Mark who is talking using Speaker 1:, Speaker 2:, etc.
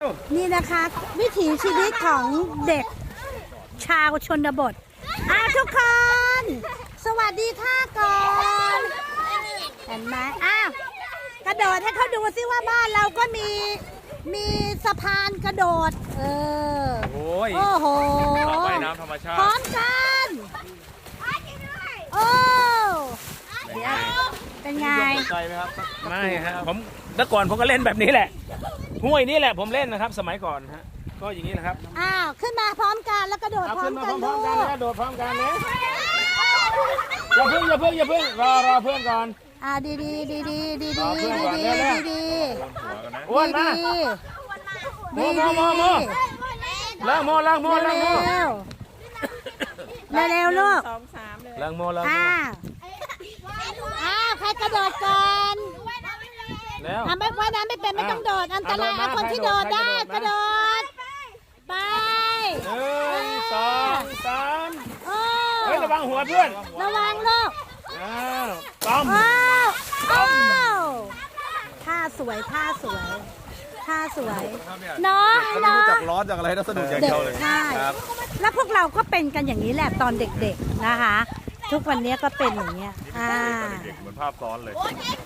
Speaker 1: นี่นะคะวิถีชีวิตของเด็กชาวชนบททุกคนสวัสดีค่ะก่อนเห็นไหมกระโดดให้เขาดูซิว่าบ้านเราก็มีสะพานกระโดดโอ้โหว่ายน้ำธรรมชาติพร้อมกันโอ้เป็นไง
Speaker 2: ใจไหมครับไม่ฮะผมเมื่อก่อนผมก็เล่นแบบนี้แหละห้วยนี่แหละผมเล่นนะครับสมัยก่อนฮะก็อย่างนี้แหละครับ
Speaker 1: ขึ้นมาพร้อมกันแล้วกระโดดพร้อมกันด้วย
Speaker 2: กระโดดพร้อมกันนะอย่าเพิ่งรอเพื่อนก่อน
Speaker 1: ดี
Speaker 2: อ้วนมาโมล้างโมเ
Speaker 1: ร็วลูก
Speaker 2: ล้างโม
Speaker 1: ใครกระโดดก่อน
Speaker 2: แล้ว
Speaker 1: ไม่ว่ายน้ำไม่เป็นไม่ต้องโดดอันตรายคนที่โดดได้กระโดดไป
Speaker 2: 1 2 3เฮ้ยระวังหัวเพื่อน
Speaker 1: ระวังลูก
Speaker 2: ต้อม
Speaker 1: ท่าสวยน้อง
Speaker 2: รู้จักร้อนจากอะไรน่าสนุกอย่างเดียวเลย
Speaker 1: ครับแล้วพวกเราก็เป็นกันอย่างนี้แหละตอนเด็กๆนะคะทุกวันนี้ก็เป็นอย่างเงี้ย
Speaker 2: เด็กเหมือนภาพซ้อนเลย